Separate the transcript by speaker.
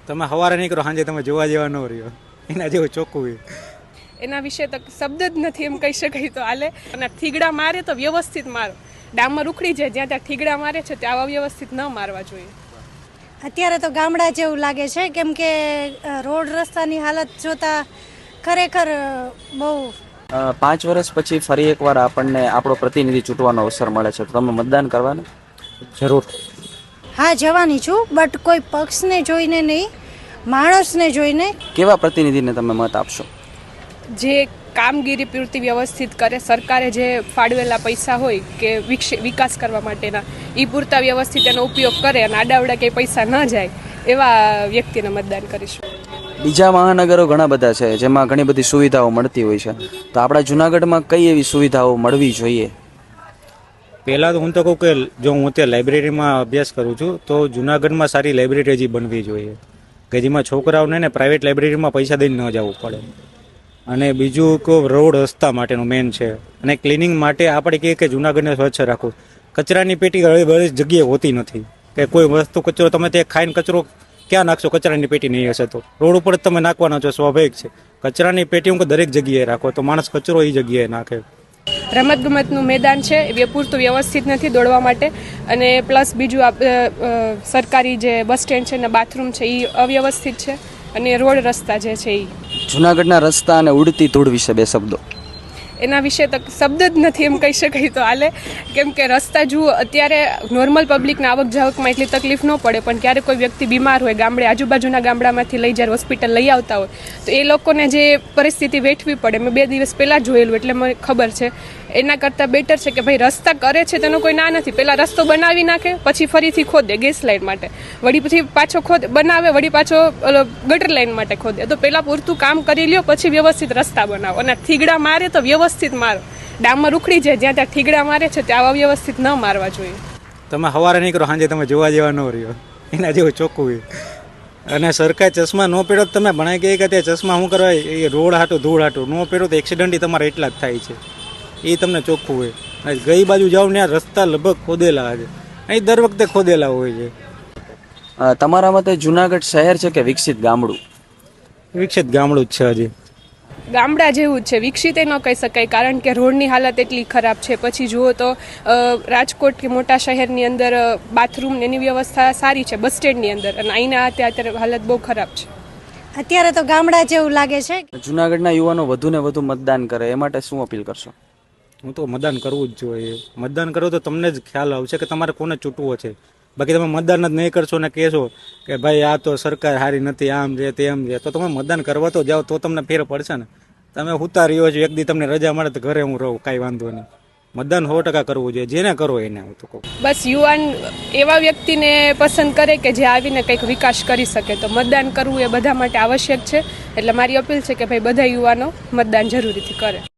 Speaker 1: તમે સવારે નીકળો સાંજે તમે જોવા જેવા ન રહ્યો, એના જેવું ચોખ્ખું.
Speaker 2: એના વિશે તો શબ્દ જ નથી એમ કહી શકાય તો હાલે. અને થીગડા મારે તો વ્યવસ્થિત મારો, ડામર ઉખડી જાય જ્યાં ત્યાં થીગડા મારે છે ત્યાં અવ્યવસ્થિત ન મારવા જોઈએ.
Speaker 3: અત્યારે તો ગામડા જેવું લાગે છે, કેમ કે રોડ રસ્તાની હાલત જોતા ખરેખર બહુ.
Speaker 4: 5 વર્ષ પછી ફરી એકવાર આપણને આપણો પ્રતિનિધિ ચૂંટવાનો અવસર મળે છે, તો તમે મતદાન કરવાના?
Speaker 1: જરૂર.
Speaker 3: હા, જવાની છું, બટ કોઈ પક્ષને જોઈને નહીં, માણસને જોઈને.
Speaker 4: કેવા પ્રતિનિધિને તમે મત આપશો?
Speaker 2: જે કામગીરી પૂરતી વ્યવસ્થિત કરે, સરકારે જે ફાળવેલા પૈસા હોય કે વિકાસ કરવા માટેના એ પૂરતા વ્યવસ્થિત એનો ઉપયોગ કરે અને આડાવડા કંઈ પૈસા ન જાય એવા વ્યક્તિને મતદાન કરીશું.
Speaker 4: બીજા મહાનગરો ઘણા બધા છે જેમાં ઘણી બધી સુવિધાઓ મળતી હોય છે, તો આપણા જુનાગઢમાં કઈ એવી સુવિધાઓ મળવી જોઈએ?
Speaker 1: પહેલાં તો હું તો કહું કે જો હું અત્યારે લાઇબ્રેરીમાં અભ્યાસ કરું છું તો જુનાગઢમાં સારી લાઇબ્રેરી હજી બનવી જોઈએ કે જેમાં છોકરાઓને ને પ્રાઇવેટ લાઇબ્રેરીમાં પૈસા દઈને ન જવું પડે. અને બીજું કે રોડ રસ્તા માટેનું મેન છે. અને ક્લિનિંગ માટે આપણે કહીએ કે જુનાગઢને સ્વચ્છ રાખવું. કચરાની પેટી બધી જગ્યાએ હોતી નથી કે કોઈ વસ્તુ કચરો તમે તે ખાઈને કચરો ક્યાં નાખશો? કચરાની પેટી નહીં હશે તો રોડ ઉપર જ તમે નાખવાના છો, સ્વાભાવિક છે. કચરાની પેટી હું દરેક જગ્યાએ રાખો તો માણસ કચરો એ જગ્યાએ નાખે.
Speaker 2: રમતગમતનું મેદાન છે એ પૂરતું વ્યવસ્થિત નથી દોડવા માટે, અને પ્લસ બીજું સરકારી જે બસ સ્ટેન્ડ છે ને બાથરૂમ છે એ અવ્યવસ્થિત છે, અને રોડ રસ્તા જે છે એ.
Speaker 4: જુનાગઢના રસ્તા અને ઉડતી ધૂળ વિશે 2 શબ્દો.
Speaker 2: એના વિશે તો શબ્દ જ નથી એમ કહી શકાય તો હાલે. કેમ કે રસ્તા જુઓ, અત્યારે નોર્મલ પબ્લિકને આવક જાવકમાં એટલી તકલીફ ન પડે, પણ ક્યારેક કોઈ વ્યક્તિ બીમાર હોય, ગામડે આજુબાજુના ગામડામાંથી લઈ જ્યારે હોસ્પિટલ લઈ આવતા હોય તો એ લોકોને જે પરિસ્થિતિ વેઠવી પડે, મેં 2 દિવસ પહેલાં જોયેલું એટલે મને ખબર છે. એના કરતાં બેટર છે કે ભાઈ રસ્તા કરે છે તેનો કોઈ ના નથી, પહેલાં રસ્તો બનાવી નાખે પછી ફરીથી ખોદે ગેસ લાઇન માટે, વળી પછી પાછો બનાવે, વળી પાછો ગટર લાઇન માટે ખોદે. તો પહેલાં પૂરતું કામ કરી લ્યો પછી વ્યવસ્થિત રસ્તા બનાવો. અને થીગડા મારે તો વ્યવસ્થિત મારો, ડામર ઉખડી જાય જ્યાં ત્યાં થીગડા મારે છે ત્યાં અવ્યવસ્થિત ન મારવા જોઈએ.
Speaker 1: તમે સવારે નીકળો સાંજે તમે જોવા જેવા ન રહ્યો, એના જેવું ચોખ્ખું. અને સરકાર ચશ્મા ન પહેરો તો તમે ભણાઈ ગઈ કે તે ચશ્મા શું કરવા? એ રોડ હાટું ધૂળ હાટું ન પહેરો તો એક્સિડન્ટ તમારે એટલા જ થાય છે, એ તમને ચોખ્ખું હોય. ગઈ બાજુ જાઓ ને આ રસ્તા લગભગ ખોદેલા છે, અહીં દર વખતે ખોદેલા હોય છે.
Speaker 4: તમારા મતે જુનાગઢ શહેર છે કે વિકસિત ગામડું?
Speaker 1: વિકસિત ગામડું જ છે. હજી
Speaker 2: ગામડા જેવું જ છે, વિકસિત ન કહી શકાય, કારણ કે રોડની હાલત એટલી ખરાબ છે. પછી જુઓ તો રાજકોટ કે મોટા શહેરની અંદર બાથરૂમ એની વ્યવસ્થા સારી છે બસ સ્ટેન્ડની અંદર, અને અહીંના અત્યારે હાલત બહુ ખરાબ છે.
Speaker 3: અત્યારે તો ગામડા જેવું લાગે છે.
Speaker 4: જુનાગઢના યુવાનો વધુ ને વધુ મતદાન કરે, એ માટે શું અપીલ કરશો?
Speaker 1: હું તો મતદાન કરવું જ જોઈએ. મતદાન કરો તો તમને જ ખ્યાલ આવશે કે તમારે કોને ચૂંટવો છે. બાકી તમે મતદાન જ નહીં કરશો ને કહેશો કે ભાઈ આ તો સરકાર સારી નથી, આમ છે તેમ છે, તો તમે મતદાન કરવા તો જાઓ તો તમને ફેર પડશે ને. તમે હુતા રહ્યો છો, એક દી તમને રજા મળે તો ઘરે હું રહું, કાંઈ વાંધો નહીં. મતદાન 100% કરવું જોઈએ, જેને કરો એને. હું તો કહું
Speaker 2: બસ યુવાન એવા વ્યક્તિને પસંદ કરે કે જે આવીને કંઈક વિકાસ કરી શકે, તો મતદાન કરવું એ બધા માટે આવશ્યક છે. એટલે મારી અપીલ છે કે ભાઈ બધા યુવાનો મતદાન જરૂરીથી કરે.